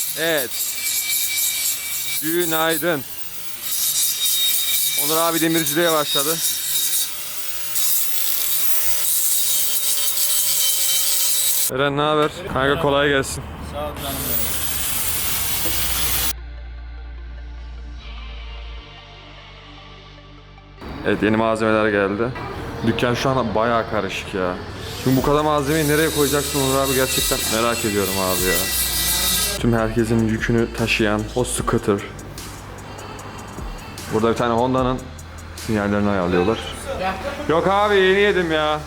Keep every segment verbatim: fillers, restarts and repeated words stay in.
Evet. Günaydın. Onur abi demirciliğe başladı. Eren ne haber? Kanka kolay gelsin. Sağ ol canım benim. Evet, yeni malzemeler geldi. Dükkan şu an bayağı karışık ya. Şimdi bu kadar malzemeyi nereye koyacaksın Onur abi, gerçekten merak ediyorum abi ya. Tüm herkesin yükünü taşıyan o scooter. Burada bir tane Honda'nın sinyallerini ayarlıyorlar. Yok abi, yeni yedim ya.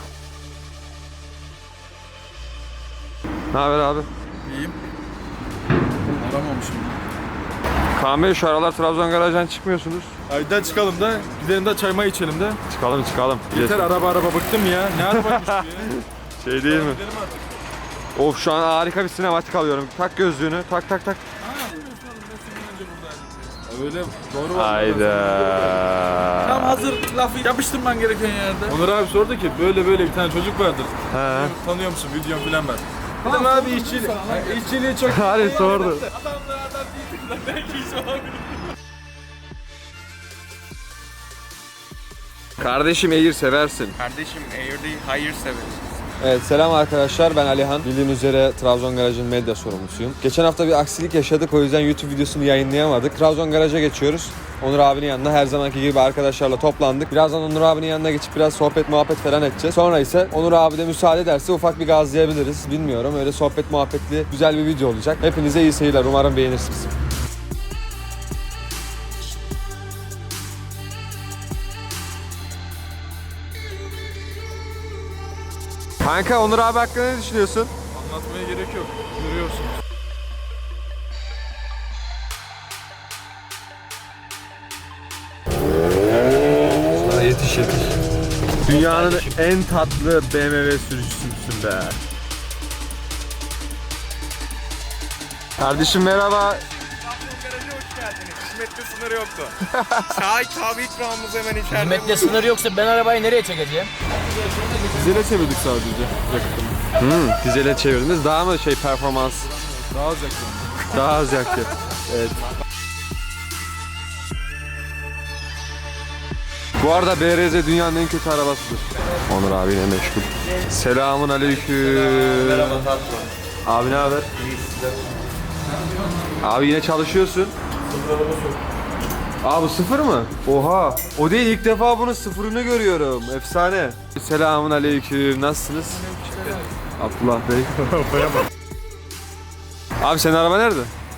Ne haber abi? İyiyim. Aramamışım. Kaan Bey, şu aralar Trabzon garajdan çıkmıyorsunuz. Aydan çıkalım da gidelim de çayma içelim de. Çıkalım çıkalım. Yeter, araba araba bıktım ya. Ne arabaymış bu ya? Şey değil mi? Gidelim artık. Of, şu an harika bir sinematik alıyorum. Tak gözlüğünü, tak tak tak. Öyle doğru var. Hayda. Tam hazır lafı yapıştırman gereken yerde. Onur abi sordu ki böyle böyle bir tane çocuk vardır. He. Tanıyor musun? Videom filan ben. Dedim abi işçiliği. İşçiliği çok. Hadi sordu. Adamlardan değilsin. Belki iş olabilir. Kardeşim Air seversin. Kardeşim Air'de hayır severiz. Evet, selam arkadaşlar, ben Alihan. Bildiğiniz üzere Trabzon Garaj'ın medya sorumlusuyum. Geçen hafta bir aksilik yaşadık, o yüzden YouTube videosunu yayınlayamadık. Trabzon Garaj'a geçiyoruz. Onur abinin yanına her zamanki gibi arkadaşlarla toplandık. Birazdan Onur abinin yanına geçip biraz sohbet muhabbet falan edeceğiz. Sonra ise Onur abi de müsaade ederse ufak bir gazlayabiliriz. Bilmiyorum, öyle sohbet muhabbetli güzel bir video olacak. Hepinize iyi seyirler, umarım beğenirsiniz. Kanka, Onur abi hakkında ne düşünüyorsun? Anlatmaya gerek yok. Görüyorsunuz. Sana yetiş yetiş. Dünyanın en tatlı B M W sürücüsüsün be. Kardeşim merhaba. Trabzon Garaj'a hoş geldiniz. Hizmette sınırı yoktu. Çay, kahve ikramımız hemen içeride. Hizmette sınır yoksa ben arabayı nereye çekeceğim? Dizele çevirdik sadece yakıtını. Hmm, dizele çevirdiniz. Daha mı şey performans? Daha az yakın. Daha az yaktı. Evet. Bu arada B R Z dünyanın en kötü arabasıdır. Onur abi yine meşgul. Selamun aleyküm. Merhaba tatlı. Abi ne haber? Abi yine çalışıyorsun. Abi sıfır mı? Oha. O değil, ilk defa bunun sıfırını görüyorum. Efsane. Selamun aleyküm. Nasılsınız? Abdullah Bey. Abi senin araba nerede?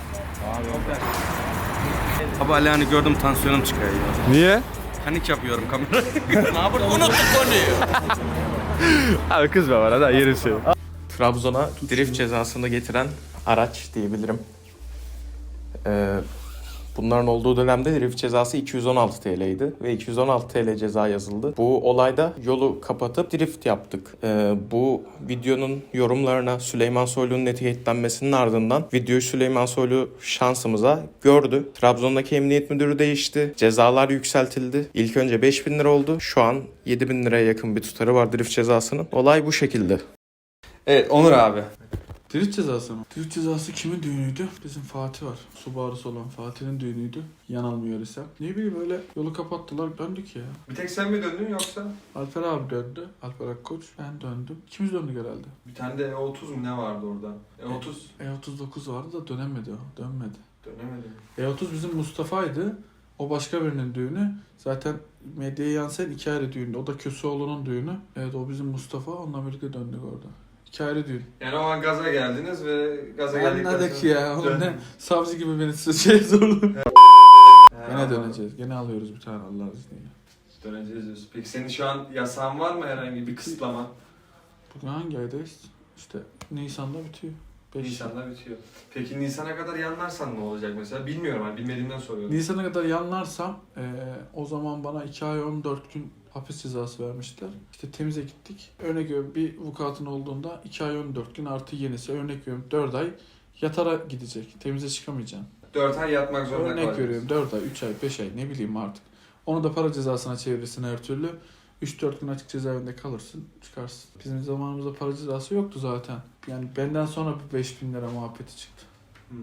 Abi Alihan'ı gördüm, tansiyonum çıkıyor ya. Niye? Panik yapıyorum kamera. Ne yapalım? Unuttuk konuyu. Abi kızma bana da yerim seni. Trabzon'a drift cezasını getiren araç diyebilirim. Ee, bunların olduğu dönemde drift cezası iki yüz on altı T L'ydi ve iki yüz on altı T L ceza yazıldı. Bu olayda yolu kapatıp drift yaptık. Ee, bu videonun yorumlarına Süleyman Soylu'nun etiketlenmesinin ardından videoyu Süleyman Soylu şansımıza gördü. Trabzon'daki emniyet müdürü değişti. Cezalar yükseltildi. İlk önce beş bin lira oldu. Şu an yedi bin liraya yakın bir tutarı var drift cezasının. Olay bu şekilde. Evet Onur abi. Drift cezası mı? Drift cezası kimin düğünüydü? Bizim Fatih var. Subaru'su olan Fatih'in düğünüydü. Yanılmıyor isem. Ne bileyim öyle yolu kapattılar, döndük ya. Bir tek sen mi döndün yoksa? Alper abi döndü. Alper Akkoç. Ben döndüm. İkimiz döndük herhalde. Bir tane de E otuz mu ne vardı orada? E otuz E otuz dokuz vardı da dönemedi o. Dönmedi. dönemedi. E otuz bizim Mustafa'ydı. O başka birinin düğünü. Zaten medyaya yansıyan iki ayrı düğündü. O da Köseoğlu'nun düğünü. Evet, o bizim Mustafa. Onunla birlikte döndük orada. İki ayrı düğün. Yani o an gaza geldiniz ve gaza geldikten Anladık sonra... ya. Oğlum ne Dön- savcı gibi beni size şey sordu. Gene döneceğiz. Gene alıyoruz bir tane Allah izniyle. Döneceğiz diyorsun. Peki senin şu an yasağın var mı, herhangi bir kısıtlama? Bugün hangi aydayız? İşte Nisan'da bitiyor. beş. Nisan'da bitiyor. Peki Nisan'a kadar yanlarsan ne olacak mesela? Bilmiyorum, hani bilmediğimden soruyorum. Nisan'a kadar yanlarsam eee, o zaman bana iki ay on dört gün hapis cezası vermişler. İşte temize gittik. Örnek veriyorum, bir vukuatın olduğunda iki ay on dört gün artı yenisi. Örnek veriyorum dört ay yatara gidecek. Temize çıkamayacaksın. dört ay yatmak zorunda Örnek kalacaksın. veriyorum dört ay, üç ay, beş ay ne bileyim artık. Onu da para cezasına çevirirsin her türlü. üç dört gün açık cezaevinde kalırsın, çıkarsın. Bizim zamanımızda para cezası yoktu zaten. Yani benden sonra bir beş bin lira muhabbeti çıktı. Hmm.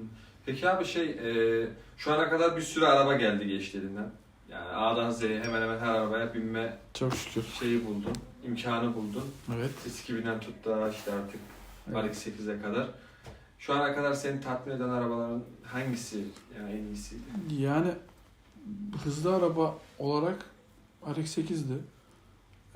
Peki abi şey, e, şu ana kadar bir sürü araba geldi geçti elinden. Yani A'dan Z'ye hemen hemen her arabaya binme Çok şükür. şeyi buldun, imkanı buldun. Evet. S iki binden tut da işte artık Evet. R X sekize kadar. Şu ana kadar seni tatmin eden arabaların hangisi yani en iyisi? Yani hızlı araba olarak R X sekizdi. Ee,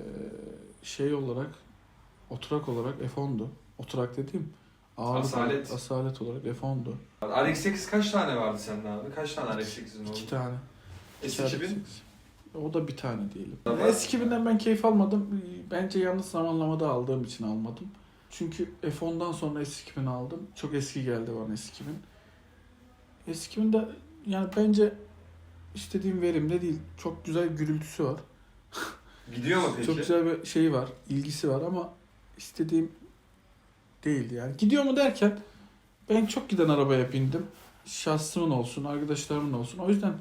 şey olarak, oturak olarak F on'du. Oturak dediğim ağırlık Asalet. olarak, asalet olarak F on'du. R X sekiz kaç tane vardı sende abi? Kaç tane R X sekizin oldu? İki tane. S iki bin? R X sekiz. O da bir tane diyelim. Tamam. S iki binden ben keyif almadım. Bence yanlış zamanlamada aldığım için almadım. Çünkü F on'dan sonra S iki bin aldım. Çok eski geldi bana S iki bin. S iki binde yani bence istediğim verimde değil. Çok güzel gürültüsü var. Gidiyor mu peki? Çok güzel bir şeyi var, ilgisi var ama istediğim değildi yani. Gidiyor mu derken ben çok giden arabaya bindim. Şahsımın olsun, arkadaşlarımın olsun. O yüzden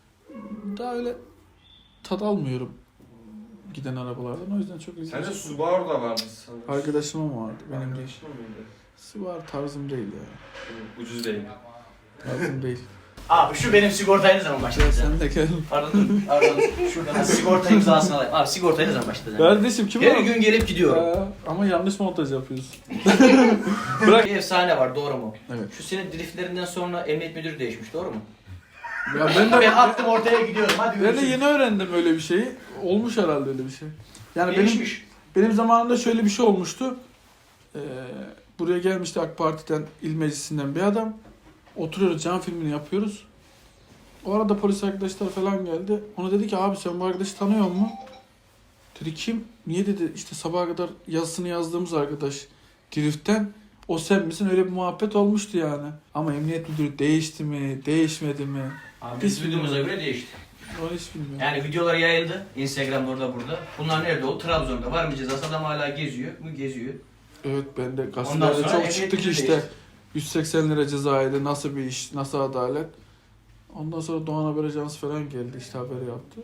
daha öyle tad almıyorum giden arabalardan. O yüzden çok ilginç. Sende Subaru da vardı sanırım. Arkadaşımın vardı, benim değil. Arkadaşın mıydı? Subaru tarzım değil ya. Ucuz değil. Tarzım değil. Abi şu benim sigortayı ne zaman Gel başlatacağım? sen de gel. Pardon, pardon. Şuradan sigorta imzasını alayım. Abi sigortayı ne zaman başlatacağım? Kardeşim kim Her var? gün gelip gidiyorum. Aa, ama yanlış montaj yapıyorsun. Bir efsane var, doğru mu? Evet. Şu senin driftlerinden sonra emniyet müdürü değişmiş, doğru mu? Ya ben de Ben attım ortaya gidiyorum, hadi ben de görüşürüz. yeni öğrendim öyle bir şeyi. Olmuş herhalde öyle bir şey. Yani benim Değişmiş. Benim zamanımda şöyle bir şey olmuştu. Ee, buraya gelmişti AK Parti'den, il meclisinden bir adam. Oturuyoruz, cam filmini yapıyoruz. O arada polis arkadaşlar falan geldi. Ona dedi ki abi sen bu arkadaşı tanıyor musun? Dedi kim? Niye dedi işte sabaha kadar yazısını yazdığımız arkadaş Drift'ten. O sen misin? Öyle bir muhabbet olmuştu yani. Ama emniyet müdürü değişti mi, değişmedi mi? Abi Biz biz duyduğumuza göre değişti. Onu hiç bilmiyorum. Yani videolar yayıldı. Instagram'da orada burada. Bunlar nerede oldu? Trabzon'da. Var mı cezası? Adam hala geziyor. Bu geziyor. Evet ben de Ondan gazetelerde sonra çok emniyet çıktı ki müdürü işte değişti. yüz seksen lira cezaydı, nasıl bir iş, nasıl adalet. Ondan sonra Doğan Haber Ajansı falan geldi işte haberi yaptı.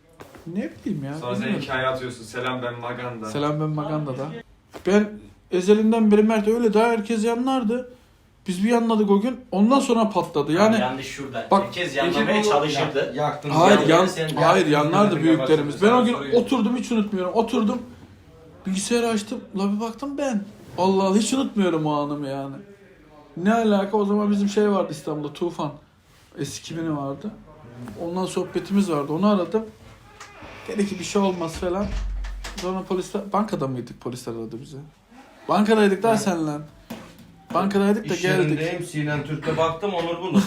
Ne bileyim ya. Sonra sen bilmiyorum. hikaye atıyorsun. Selam ben Maganda. Selam ben Maganda'da. Ben ezelinden beri Mert öyle daha herkes yanlardı. Biz bir yanladık o gün. Ondan sonra patladı. Yani yanlış şurada. Bak, Herkes yanlamaya peki bu- çalışırdı. Yaktın. hayır yanları yan, sen- hayır yanlardı Yaktın. büyüklerimiz. Ben o gün Soruyorum. oturdum hiç unutmuyorum. Oturdum. Bilgisayarı açtım. La bir baktım ben. Allah Allah hiç unutmuyorum o anımı yani. Ne alaka? O zaman bizim şey vardı İstanbul'da Tufan. S iki bini vardı. Ondan sohbetimiz vardı. Onu aradım. Dedi ki bir şey olmaz falan. Sonra polisler, bankada mıydık, polisler aradı bizi. Bankadaydık daha senle. Bankadaydık da İş geldik. yerindeyim, Sinan Türk'te baktım, Onur Bulut.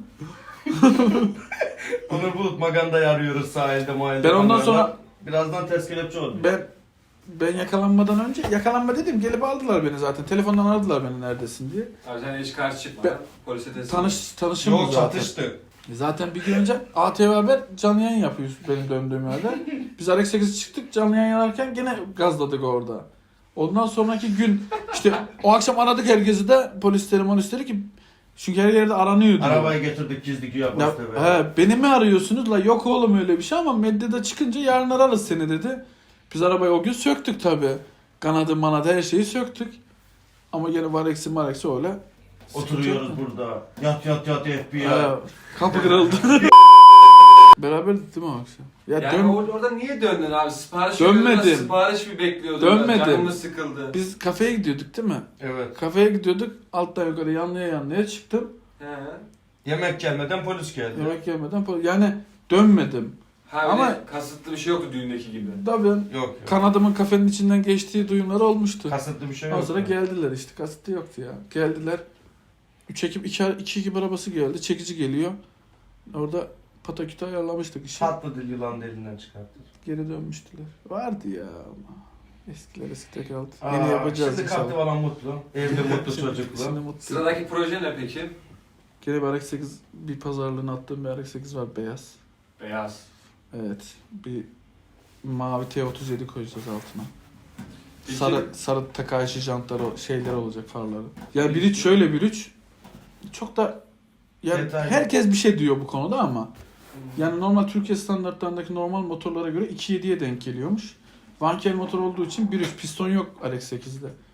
Onur Bulut Maganda'yı arıyoruz sahilde mahallede. Ben ondan Maganda. sonra- Birazdan ters kelepçe oldu. Ben ben yakalanmadan önce, yakalanma dedim gelip aldılar beni zaten. Telefondan aradılar beni neredesin diye. Abi sen hiç karşı çıkmadan Ben- polise teslim. Tanış, tanışım Yok, zaten. çatıştı. Zaten bir gün önce A T V Haber canlı yayın yapıyor benim döndüğüm yerde. Biz R X sekiz çıktık canlı yayın yaparken gene gazladık orada. Ondan sonraki gün işte o akşam aradık herkesi de polisleri monisleri ki çünkü her yerde aranıyor diyor. Arabayı getirdik, çizdik ya. Ya, he, beni mi arıyorsunuz? La yok oğlum öyle bir şey ama medyada çıkınca yarın ararız seni dedi. Biz arabayı o gün söktük tabi. Kanadı manadı her şeyi söktük. Ama gene var eksi var eksi öyle. Oturuyoruz burada. Yat yat yat F B I. He, kapı kırıldı. Beraberdik değil mi o akşam? Ya Yani dön- orada, orada niye döndün abi? Sipariş Dönmedim. veriyordun, Sipariş mi bekliyordun? Dönmedim. Canımız sıkıldı. Biz kafeye gidiyorduk değil mi? Evet. Kafeye gidiyorduk. Alttan yukarı yanlıya yanlıya çıktım. He. Yemek gelmeden polis geldi. Yemek yemeden pol- yani dönmedim. Ha Ama- Ama kasıtlı bir şey yoktu düğündeki gibi. Tabii Yok yok. kanadımın kafenin içinden geçtiği duyumlar olmuştu. Kasıtlı bir şey Ondan yok. sonra geldiler işte. Kasıtlı yoktu ya. Geldiler. Üç ekip, iki, iki ekip arabası geldi. Çekici geliyor. Orada patakütü ayarlamıştık işi. Tatlı dil yılan delinden çıkarttı. Geri dönmüştüler. Vardı ya ama. Eskiler eski kaldı. Aa, Yeni yapacağız Şimdi kalktı inşallah. falan mutlu. Evde mutlu Şimdi- çocuklu. Şimdi mutlu. Sıradaki proje ne peki? Gene bir R X sekiz bir pazarlığına attığım bir R X sekiz var beyaz. Beyaz. Evet. Bir mavi T otuz yedi koyacağız altına. Peki- Sarı sarı Takahashi jantları şeyler olacak farları. Ya bir üç şöyle bir üç çok da yani Detaylı. herkes bir şey diyor bu konuda ama yani normal Türkiye standartlarındaki normal motorlara göre iki yediye denk geliyormuş. Vankel motor olduğu için bir üç piston yok R X sekizde.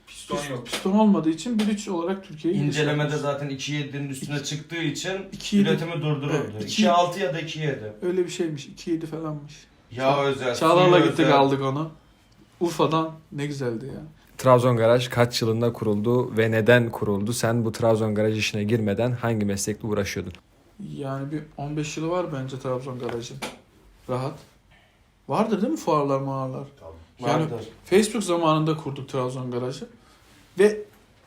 Piston yok. Piston olmadığı için bir üç olarak Türkiye'yi İncelemede zaten iki yedinin üstüne çıktığı için iki yedi üretimi durduruldu. Evet, iki- iki altı ya da iki yedi. öyle bir şeymiş. iki yedi falanmış. Ya özel. Çağlar'la suyu gittik özel. aldık onu. Urfa'dan ne güzeldi ya. Trabzon Garaj kaç yılında kuruldu ve neden kuruldu? Sen bu Trabzon Garaj işine girmeden hangi meslekle uğraşıyordun? Yani bir on beş yılı var bence Trabzon Garaj'ın. Rahat. Vardır değil mi fuarlar mağarlar? Yani Vardır. Facebook zamanında kurduk Trabzon Garaj'ı. Ve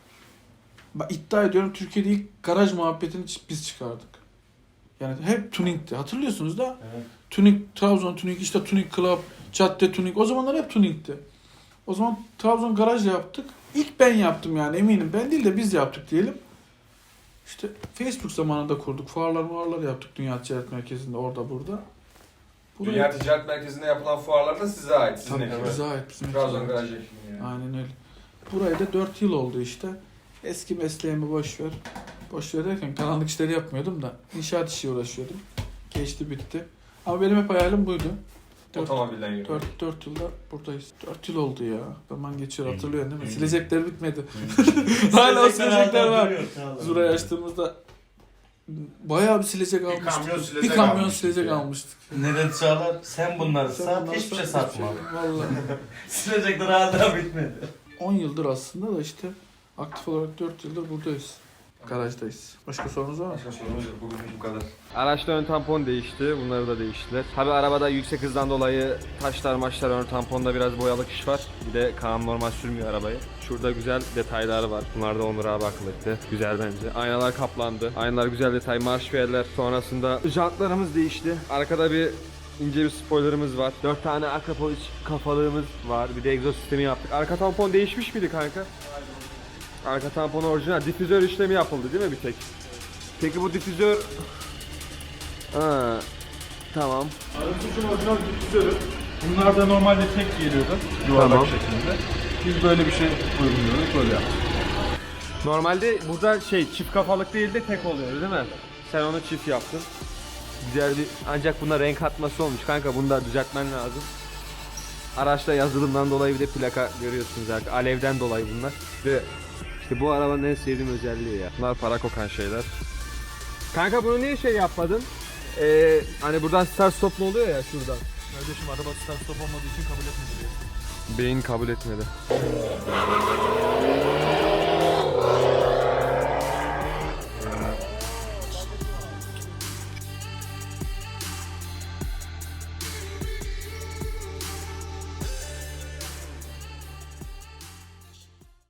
ben iddia ediyorum Türkiye'de ilk garaj muhabbetini biz çıkardık. Yani hep tuningti. Hatırlıyorsunuz da Evet. tuning, Trabzon tuning, işte tuning club, cadde tuning. O zamanlar hep tuningti. O zaman Trabzon Garaj yaptık. İlk ben yaptım yani eminim. Ben değil de biz yaptık diyelim. İşte Facebook zamanında kurduk. Fuarlar muarlar yaptık Dünya Ticaret Merkezi'nde orada burada. Buraya- Dünya Ticaret Merkezi'nde yapılan fuarlar da size ait. Sizin Tabii ekibiniz. bize ait. Bizim Trabzon ekibimiz. Garaj ekibi yani. Aynen öyle. Buraya da dört yıl oldu işte. Eski mesleğimi boş ver. Boş ver derken karanlık işleri yapmıyordum da inşaat işi uğraşıyordum. Geçti bitti. Ama benim hep hayalim buydu. Dört, Otomobilden yürüyor. dört, dört yılda buradayız. Dört yıl oldu ya. Zaman geçiyor hatırlıyorsun değil mi? Silecekler bitmedi. Hmm. Hala o silecekler hala var. duruyor, Çağlar. Zura'yı açtığımızda bayağı bir silecek almıştık. kamyon silecek bir kamyon almıştık silecek ya. almıştık. Ne dedi Çağlar? Sen bunları Sen sat, bunları hiçbir şey sat, satma. Vallahi. Silecekler hala bitmedi. on yıldır aslında da işte aktif olarak dört yıldır buradayız. Garajdayız. Başka sorunuz var mı? Başka sorumuz yok. Bugün bu kadar. Araçta ön tampon değişti. Bunları da değiştiler. Tabi arabada yüksek hızdan dolayı taşlar maçlar ön tamponda biraz boyalık iş var. Bir de Kaan normal sürmüyor arabayı. Şurada güzel detaylar var. Bunlar da Onur abi akıl etti. Güzel bence. Aynalar kaplandı. Aynalar güzel detay. Marş verler. Sonrasında jantlarımız değişti. Arkada bir ince bir spoilerımız var. dört tane arka polis kafalığımız var. Bir de egzoz sistemi yaptık. Arka tampon değişmiş miydi kanka? Arka tampon orijinal. Difüzör işlemi yapıldı değil mi bir tek? Peki bu difüzör... Ha, tamam. Aracımızın orijinal difüzörü. Bunlar da normalde tek geliyordu. Yuvarlak Tamam. şeklinde. Biz böyle bir şey uyguluyoruz. Böyle yaptık. Normalde burada şey çift kafalık değil de tek oluyor değil mi? Sen onu çift yaptın. Güzel bir ancak buna renk atması olmuş kanka, bunu da düzeltmen lazım. Araçta yazılımdan dolayı bir de plaka görüyorsunuz zaten. Alevden dolayı bunlar. Ve işte bu arabanın en sevdiğim özelliği ya. Bunlar para kokan şeyler. Kanka bunu niye şey yapmadın? Ee, hani buradan start stop oluyor ya şuradan. Kardeşim araba start stop olmadığı için kabul etmedi diye. Beyin kabul etmedi.